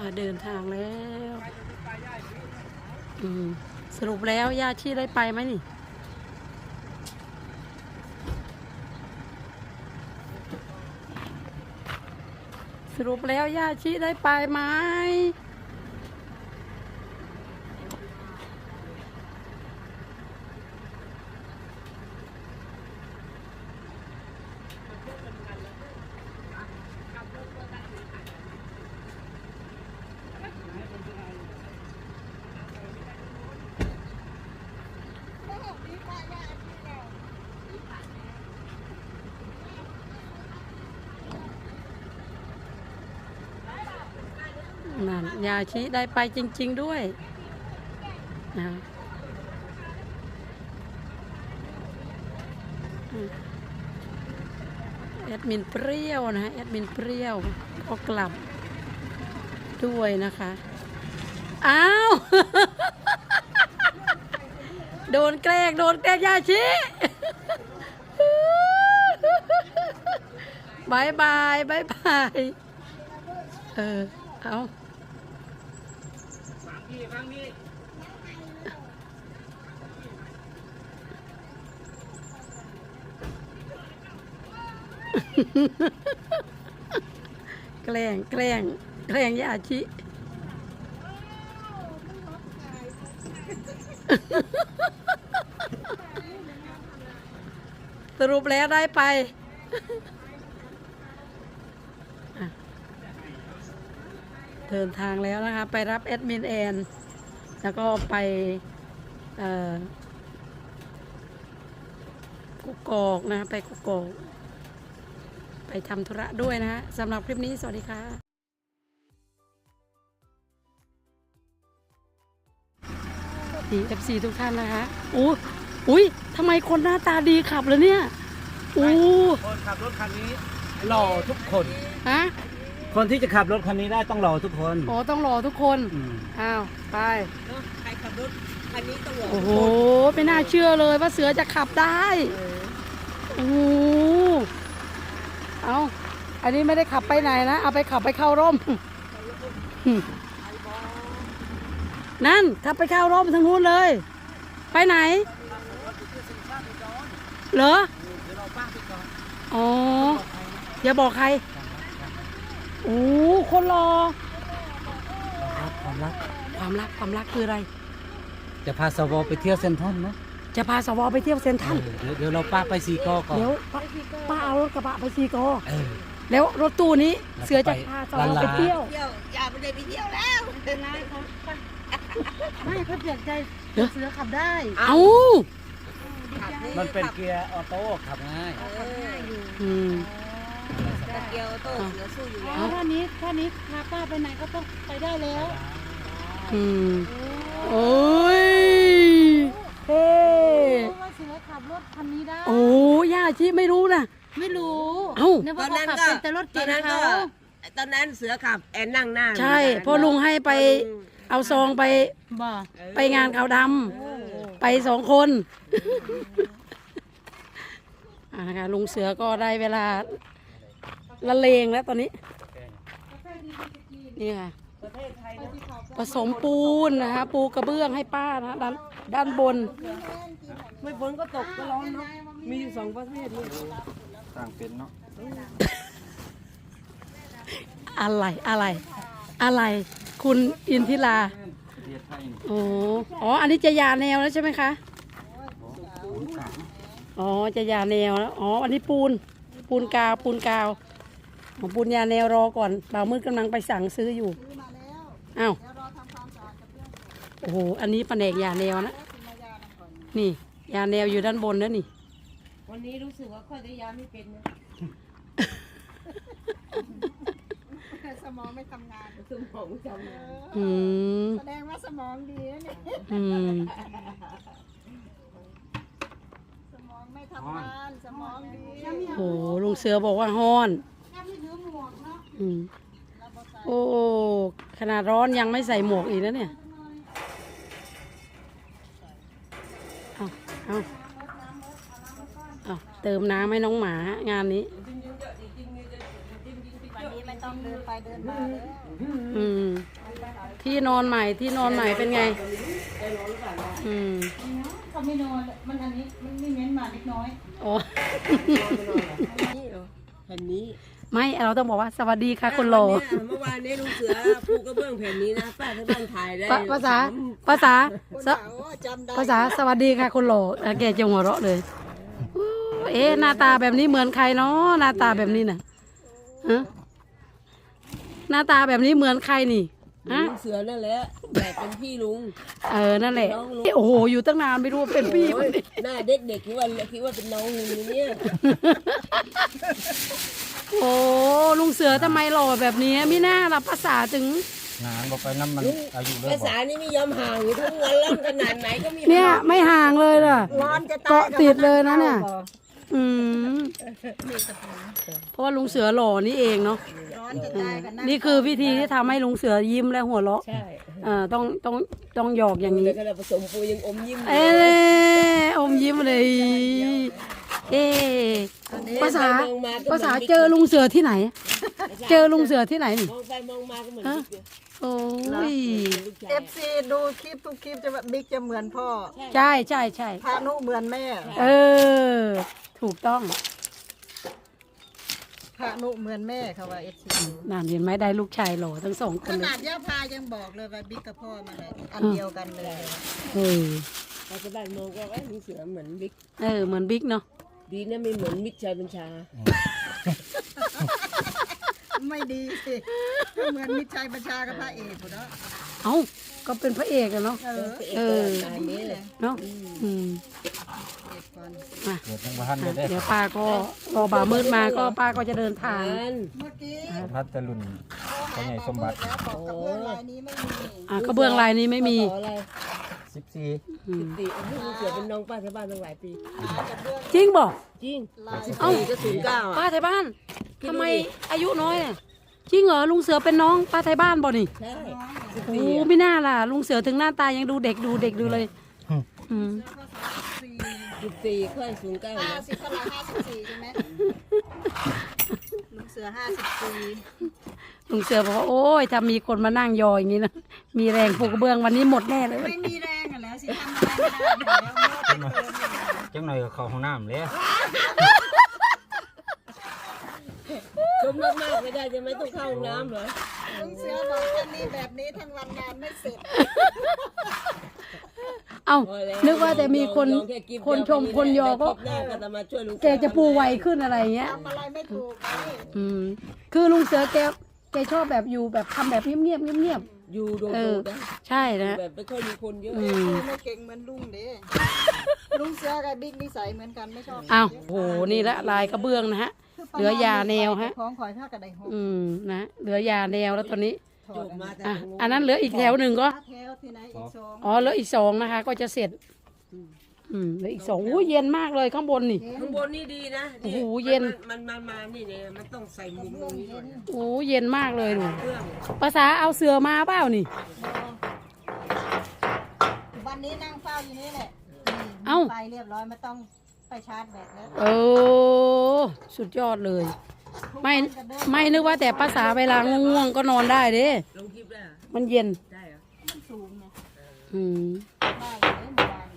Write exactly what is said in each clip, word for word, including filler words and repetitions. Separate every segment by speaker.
Speaker 1: เดินทางแล้วอืมสรุปแล้วย่าชีได้ไปไหมนี่สรุปแล้วย่าชีได้ไปไหมนั่นยาชีได้ไปจริงๆด้วยนะแอดมินเปรี้ยวนะแอดมินเปรี้ยวก็กลับด้วยนะคะอ้าว โดนแกล้งโดนแกล้งยาชีบายบายบายบายเออเอาฟังพี่ฟังพี่แกล้งแกล้งแกล้งยาชิสรุปแล้วได้ไปเดินทางแล้วนะคะไปรับแอดมินแอนแล้วก็ไปกุกกอกนะไปกุกกอกไปทำธุระด้วยนะฮะสำหรับคลิปนี้สวัสดีค่ะดี เอฟ ซี ทุกท่านนะคะอู้อุ้ยทำไมคนหน้าตาดีขับเลยเนี่ยอู้
Speaker 2: คนขับรถคันนี้หล่อทุกคน
Speaker 1: ฮะ
Speaker 2: คนที่จะขับรถคันนี้ได้ต้องหล่อทุกคน
Speaker 1: โอ้ต้องหล่อทุกคนอ้าวไป
Speaker 3: ใครขับรถคันนี้ต้องหล่อ
Speaker 1: โอ้โหไม่น่าเชื่อเลยว่าเสือจะขับได้โอ้โหเอาอันนี้ไม่ได้ขับไปไหนนะเอาไปขับไปเข้าร่มนั่นขับไปเข้าร่มทางนู้นเลยไปไหนเหรออ๋ออย่าบอกใครโอ้คนรอ
Speaker 2: ความรัก
Speaker 1: ความรักความรักคืออะไร
Speaker 2: จะพาสวไปเที่ยวเซ็นทรัลนะ
Speaker 1: จะพาสวไปเที่ยวเซ็นทรัล
Speaker 2: เดี๋ยวเดี๋ยวเราป้าไปซีกอก่อน
Speaker 1: เดี๋ยวป้าเอารถกระบะไปซีกอแล้วรถตู้นี้เสือจะพาสวไปเที่ยว
Speaker 3: อย่าไปเลยไปเที่ยวแล้วเป็นไรครับ
Speaker 4: ไม่เขาเปลี่ยนใจเสือขับได้
Speaker 1: เอ้า
Speaker 2: มันเป็นเกียร์ออโต้ขับง่าย
Speaker 1: อืม
Speaker 3: เกียร์ออโต้เสือสู้อยู่
Speaker 4: แล้วท่านี้ท่านี้พาป้าไปไหนก็ต้องไปได้แล้ว
Speaker 1: อืมโอ้ยเฮ้
Speaker 4: ว่าเสือขับรถคันนี้ได้
Speaker 1: โอ้ย่าชีไม่รู้นะ
Speaker 4: ไม่รู้
Speaker 1: เอ้า
Speaker 4: ตอนนั้นก็แต่รถเก๋งเขา
Speaker 3: ตอนนั้นเสือขับแอนนั่งหน้า
Speaker 1: ใช่พอลุงให้ไปเอาซองไปไปงานขาวดำไปสองคนอ่านะคะลุงเสือก็ได้เวลาละเลงแล้วตอนนี้นี่ค่ะผสมปูนนะคะปูกระเบื้องให้ป้านะด้านด้านบน
Speaker 3: ไม่ฝนก็ตกก็ร้อนเนาะมีอยู่สองประเภทนี่
Speaker 2: ต่างเป็นเนาะ
Speaker 1: อะไรอะไรอะไรคุณอินทิราโอ้อ๋ออันนี้จะยาแนวแล้วใช่ไหมคะอ๋อจะยาแนวแล้วอ๋ออันนี้ปูนปูนกาวปูนกาวของปูนยาแนวรอก่อนบ่าวมืดกำลังไปสั่งซื้ออยู่อ้าวโอ้โหอันนี้แผนกยาแนวนะนี่ยาแนวอยู่ด้านบนนะนี่
Speaker 3: วันนี้รู้สึกว่าค่อยได้ยาไม่เป็นนะ
Speaker 4: สมองไม่ทำงาน
Speaker 3: สมองไม่ทำงาน
Speaker 1: อืม
Speaker 4: แสดงว่าสมองดีนะเนี่ย
Speaker 1: อืม
Speaker 4: สมองไม่ทำงานสมองดี
Speaker 1: โอ้ลุงเสือบอกว่าฮ้อนอืมโอ้ขนาดร้อนยังไม่ใส่หมวกอีกนะเนี่ยเอาเอาเอาเติมน้ำให้น้องหมางานนี้
Speaker 4: วันนี้ไม่ต้องเดินไปเดินมาเลย
Speaker 1: อืมที่นอนใหม่ที่นอนใหม่เป็นไงอืม
Speaker 4: เขาไม่นอนมันอันนี้มันไม่เม้นมาเล็กน้อย
Speaker 1: โอ้
Speaker 3: แผ่นนี้
Speaker 1: ไม่เราต้องบอกว่าสวัสดีค่ะคุณโหล
Speaker 3: เมื่อวานนี้ลุงเสือปูกระเบื้องแผ่นนี้นะป้าที่บ้านถ่ายได้
Speaker 1: ภาภาษาภาษา
Speaker 4: คน
Speaker 1: สะ
Speaker 4: สาวจำได้
Speaker 1: ภาษาสวัสดีค่ะคุณโหลอ่ะแกจะหัวเราะเลยอู้เอ๊ะหน้าตาแบบนี้เหมือนใครเนาะหน้าตาแบบนี้น่ะฮะหน้าตาแบบนี้เหมือนใครนี่ฮะ
Speaker 3: ลุงเสือนั่นแหละแต่เป็นพี่ลุง
Speaker 1: เออนั่นแหละโอ้โหอยู่ตั้งนานไม่รู้ว่าเป็นพี่คนนี้
Speaker 3: หน้าเด็กๆคิดว่าคิดว่าเป็นน้องลุงเนี่ย
Speaker 1: โอ้ลุงเสือทำไมหล่อแบบนี้มิน่าล่ะภาษาถึง
Speaker 2: งานบอกไปน้ำมันอายุเลิ
Speaker 3: ภาก
Speaker 2: บอ
Speaker 3: ษาก นี่ไม่ยอมห่างอยู่ทั้งวันแล้วขนาดไหนก็มี
Speaker 1: เนี่ยไม่ห่างเลยล่ะ
Speaker 4: ร้อนจะตาย
Speaker 1: เกาะติดเลยนะเนี่ย อืมเพราะว่าลุงเสือหล่อนี่เองเนาะ
Speaker 4: ร้อนจะตายกันนะ
Speaker 1: นี่คือวิธีที่ทำให้ลุงเสือยิ้มและหัวเราะ
Speaker 3: ใช่
Speaker 1: เอ่าต้องต้องต้องหยอกอย่างนี้
Speaker 3: แต่ขณะผสมปูยังอมยิ้ม
Speaker 1: เอ๊ะอมยิ้มเลย เอ๊ะภาษาภาษาเจอลุงเสือที่ไหน เจอลุงเสือที่ไหนนี่
Speaker 3: มองไปมองมาก็เหมือน
Speaker 1: ฮะ
Speaker 3: บิ๊ก
Speaker 1: โอ้ย
Speaker 4: เอฟซีดูคลิปทุกคลิปจะแบบบิ๊กจะเหมือนพ่อ
Speaker 1: ใช่ใช่ใช่
Speaker 4: พานุเหมือนแม่
Speaker 1: เออ ถูกต้อง
Speaker 4: พานุเหมือนแม่เขาว่าเอฟซี
Speaker 1: นั่นเห็นไหมได้ลูกชายหล่อทั้งสองค
Speaker 4: ข
Speaker 1: นเลย
Speaker 4: นาดย่าพายังบอกเลยว่าบิ๊กกับพ่อมาเลยอันเดียวกันเลย
Speaker 1: เออ
Speaker 3: ปัจจุบันมองก็ว่าลุงเสือเหมือนบิ๊ก
Speaker 1: เออเหมือนบิ๊กเนาะ
Speaker 3: ดีนะไม่เหมือนมิตรชัยบัญชา
Speaker 4: ไม่ดีสิก็เหมือนมิตรชัยบัญชากับพระเอกเนาะ
Speaker 1: เอ้าก็เป็นพระเอกอะเนาะ
Speaker 4: เออ
Speaker 1: เออ
Speaker 3: อันนี้เลย
Speaker 1: เนาะอืม
Speaker 4: เอกก่อน
Speaker 1: มา
Speaker 2: เกิดยังบ้านเลยได้
Speaker 1: เดี๋ยวป้าก็รอบ่าวมืดมาก็ป้าก็จะเดินทาง
Speaker 3: อัน
Speaker 4: เมื่อกี้
Speaker 2: พัดตะลุนพ่อใหญ่สมบัติ
Speaker 4: แล้วบอกกับเพื่อนรายนี้ไม่มี
Speaker 1: อ่ะกระเบื้องลายนี้ไม่มี
Speaker 3: ขออะไร
Speaker 2: สิบสี่
Speaker 1: อืม
Speaker 3: ติลุงเสือเป็นน้องป้าที่บ้านตั้งหลายปี
Speaker 4: กับเพื่อน
Speaker 1: จริงบอก
Speaker 3: จริง
Speaker 4: ลาย
Speaker 1: เอ้า
Speaker 3: ก็ศูนย์เก้า
Speaker 1: ป้า
Speaker 3: อ่ะ
Speaker 1: ไทยบ้าน
Speaker 3: คิดดูดิ
Speaker 1: ทำไมอายุน้อยอะจริงเหรอลุงเสือเป็นน้องป้าไทยบ้านบ่นี่
Speaker 3: ใช่
Speaker 1: โอ้ไม่น่าล่ะ ลุงเสือถึงหน้าตายังดูเด็กดูเด็กดูเลยอืม
Speaker 4: สี่
Speaker 3: สิบสี่ค่อยศูนย์เก้า
Speaker 4: ห้า
Speaker 3: นะ
Speaker 4: สิบเท่าไหร่ห้าสิบสี่ใช่ไหมลุงเสือห้าสิบสี่
Speaker 1: ลุงเสือบอกว่าโอ้ยถ้ามีคนมานั่งยออย่างนี้นะมีแรงปูกระเบื้องวันนี้หมดแน่เลย
Speaker 4: ไม่มีแรงอ่ะแล้วสิทำอะไรไม่ได้แล้วเมื่อเป็นเกินอยู่
Speaker 2: จังหน่อยก็เข้าห้องน้ำเลย
Speaker 3: ชมมากๆไม่ได้จะไม่ต้องเข้าห้องน้ำเหรอ
Speaker 4: ลุงเสือบอกแค่นี้แบบนี้ทั้งวันงานไม่เสร็จ
Speaker 1: เอ้า
Speaker 3: พอแล้ว
Speaker 1: นึกว่าแต่มีคน
Speaker 3: ลองแกิ๊บ
Speaker 1: คนชมคนยอก็
Speaker 3: แรกก็จะมาช่วยลุง
Speaker 1: แกจะปูไวขึ้นอะไรอย่างเงี้ย
Speaker 4: ทำอะไรไม่ถูกเลย
Speaker 1: อืมคือลุงเสือแกแกชอบแบบอยู่แบบทำแบบเงียบๆเงียบ
Speaker 3: อยู่โด
Speaker 1: ๆเออ
Speaker 3: ๆนะ
Speaker 1: ใช่นะ
Speaker 3: แบบไม่ค่อยมีคนเยอะ
Speaker 1: อืม
Speaker 4: ไม่เก่งเหมือนลุงเด้ลุงเสือกับบิ๊กนิสัยเหมือนกันไม่ชอบ
Speaker 1: อ้าวโหนี่ละลายกระเบื้องนะฮะ เหลือยาแนวฮะ
Speaker 4: ของข่อยผ้ากระไดหก
Speaker 1: อืมนะเหลือยาแนวแล้วตอนนี้
Speaker 3: จบมาแต่
Speaker 1: อ่ะ
Speaker 3: ตรงนู้น
Speaker 1: อันนั้นเหลืออีกแถวหนึ่งก็
Speaker 4: แถวที่ไหนอีกสอง
Speaker 1: อ๋อเหลืออีกสองนะคะ ก็จะเสร็จ อืมเหลืออีกสองอู้เย็นมากเลยข้างบนนี่
Speaker 3: ข้างบนนี่ดีนะ
Speaker 1: โอ้โหเย็น
Speaker 3: มันมันมานี่เนี่ยมันต้องใส่มุมตรงนี้ก่อน
Speaker 1: โอ้เย็นมากเลยหนู
Speaker 3: เครื่อง
Speaker 1: ภาษาเอาเสือมาเปล่านี่
Speaker 4: วันนี้นั่งเฝ้าอยู่นี่แหละ
Speaker 1: เอ้า
Speaker 4: ไปเรียบร้อยไม่ต้องไปชาร์จแบตแล้ว
Speaker 1: โอ้สุดยอดเลย ไม่ไม่นึกว่าแต่ภาษาเวลาง่วงๆก็นอนได้เด้
Speaker 3: ลงคลิปได้เหรอ
Speaker 1: มันเย็น
Speaker 3: ได้เหรอ
Speaker 4: มันสูงไง
Speaker 1: อืม
Speaker 4: ได้อยู่เลยเมื่อวาน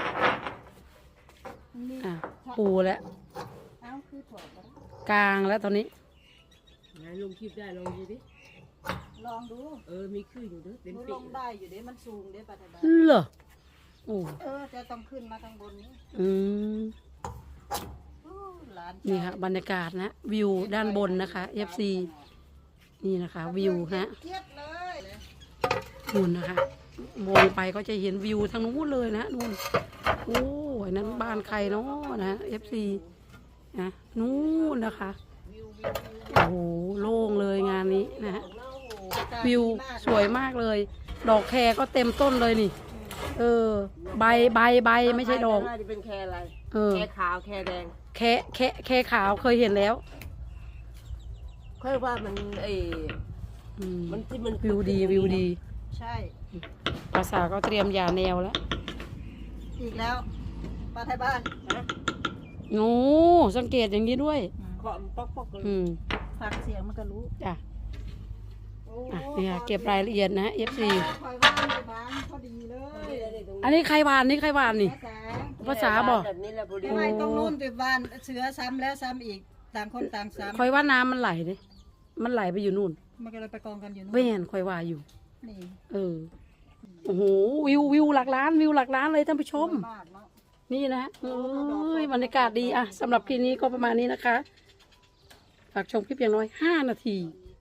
Speaker 4: นี่
Speaker 1: อ่ะปูแล้ว
Speaker 4: เอ้าคือถอดแล้ว
Speaker 1: กลางแล้วตอนนี้
Speaker 3: ไหนลงคลิปได้ลองดูดิ
Speaker 4: ลองดู
Speaker 3: เออมีขึ้นอยู่เด้อเต็ม
Speaker 4: ดู
Speaker 3: ปี
Speaker 4: ลงได้อยู่เด้มันสูงเด้ปัตตา
Speaker 1: เหรอโอ้
Speaker 4: เออจะต้องขึ้นมาข้างบนนี้
Speaker 1: อืม
Speaker 4: อู้หลาน
Speaker 1: นี่ค่ะบรรยากาศนะวิวด้านบนนะคะ เอฟ ซี นี่นะคะวิวฮะ
Speaker 4: เทียบเลย
Speaker 1: นู่นนะคะมองไปก็จะเห็นวิวทางนู้นเลยนะนู่นโอ้ยนั้นบ้านใครเนาะนะ เอฟ ซี นะนู่นนะคะโอ้โหโล่งเลยงานนี้นะฮะวิวสวยมากเลย ดอกแครก็เต็มต้นเลยนี่ เออ ใบใบใบไม่ใช่ดอก
Speaker 3: น่าจะเป็นแคร์อะไร
Speaker 1: เออ
Speaker 3: แคร์ขาวแคร์แดง
Speaker 1: แค่แค่แค่ขาวเคยเห็นแล้ว
Speaker 3: ค่อยว่ามันไอ้
Speaker 1: อืม
Speaker 3: มันที่มัน
Speaker 1: วิวดีวิวดี
Speaker 4: ใช่
Speaker 1: ภาษาก็เตรียมยาแนวแล้ว
Speaker 4: อีกแล้วป้าไทยบ้าน
Speaker 1: โอ้สังเกตอย่างนี้ด้วย
Speaker 3: เคาะมันป๊อกป๊อกเลย
Speaker 1: อืม
Speaker 4: ฟังเสียงมันก็รู้
Speaker 1: จ้ะอ่ะเนี่ยเก็บรายละเอียดนะ เอฟ ซี
Speaker 4: คอยว่าในบ้านพอดีเลย
Speaker 1: อันนี้ใครวานนี่ใครวานนี่
Speaker 4: แสง
Speaker 1: ภาษาบอก
Speaker 3: แบบนี้แหละพอดี
Speaker 4: ทำไมต้องนู่นติดบ้านเสือซ้ำแล้วซ้ำอีกต่างคนต่างซ้
Speaker 1: คอยว่าน้ำมันไหลเลยมันไหลไปอยู่นู่น
Speaker 4: ำมันก็เลยไปกองกันอยู่นู่น
Speaker 1: เว่นคอยว่าอยู่
Speaker 4: นี่
Speaker 1: เออ โอ้โห วิววิวหลักล้านวิวหลักล้านเลยท่านผู้ชม
Speaker 4: มากเนาะ
Speaker 1: นี่นะเอ้ยบรรยากาศดีอะสำหรับคลิปนี้ก็ประมาณนี้นะคะ ฝากชมคลิปอย่างน้อยห้านาที